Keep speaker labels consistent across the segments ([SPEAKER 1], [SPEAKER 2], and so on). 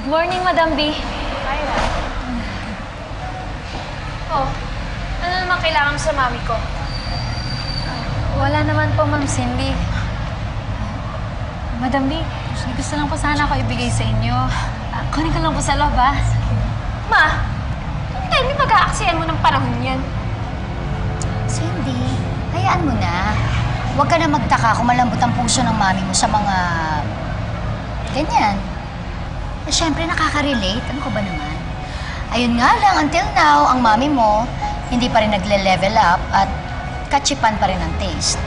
[SPEAKER 1] Good morning, Madam B.
[SPEAKER 2] Myra. Oh, ano naman kailangan mo sa mami ko?
[SPEAKER 1] Wala naman po, Ma'am Cindy. Madam B, gusto lang po sana ako ibigay sa inyo. Kunin ko lang po sa loob, ha?
[SPEAKER 2] Ma, hindi mag-aaksiyan mo ng panahon yan.
[SPEAKER 3] Cindy, hayaan mo na. Huwag ka na magtaka kung malambot ang puso ng mami mo sa mga... ganyan. Eh, syempre, nakaka-relate. Ano ka ba naman? Ayun nga lang, until now, ang mami mo hindi pa rin nagle-level up at katsipan pa rin ang taste.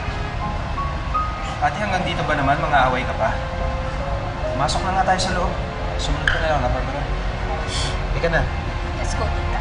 [SPEAKER 4] Ate, hanggang dito ba naman? Mga away ka pa? Masok na nga tayo sa loob. Sumunod ka na lang, Barbara. Ika na.
[SPEAKER 2] Let's go, tita.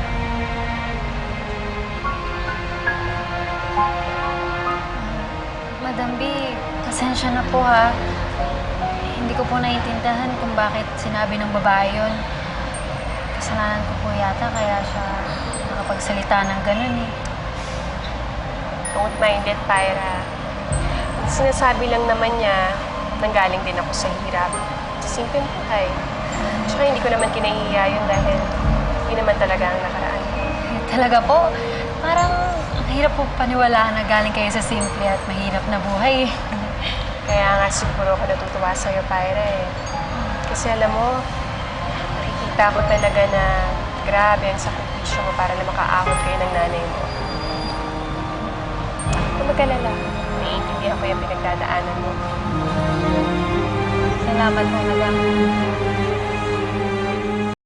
[SPEAKER 1] Madam B, pasensya na po, ha? Hindi ko po naiintindihan kung bakit sinabi ng babae yun. Kasalanan ko po yata, kaya siya nakapagsalita ng ganun, eh.
[SPEAKER 2] Don't mind it, Pyra. Sinasabi lang naman niya, nanggaling din ako sa hirap. Sa simpleng buhay. Tsaka hindi ko naman kinahihiya yun dahil yun naman talaga ang nakaraan.
[SPEAKER 1] Talaga po, parang ang hirap po paniwalaan na galing kayo sa simple at mahirap na buhay.
[SPEAKER 2] Kaya nga siguro ako natutuwa sa'yo, Pyra, eh. Kasi alam mo, nakikita ko talaga na grabe ang sakripisyo mo para na makaahon kayo ng nanay mo. Huwag mag-alala. Naiintindihan ko yung pinagdadaanan mo.
[SPEAKER 1] Salamat po, Madam.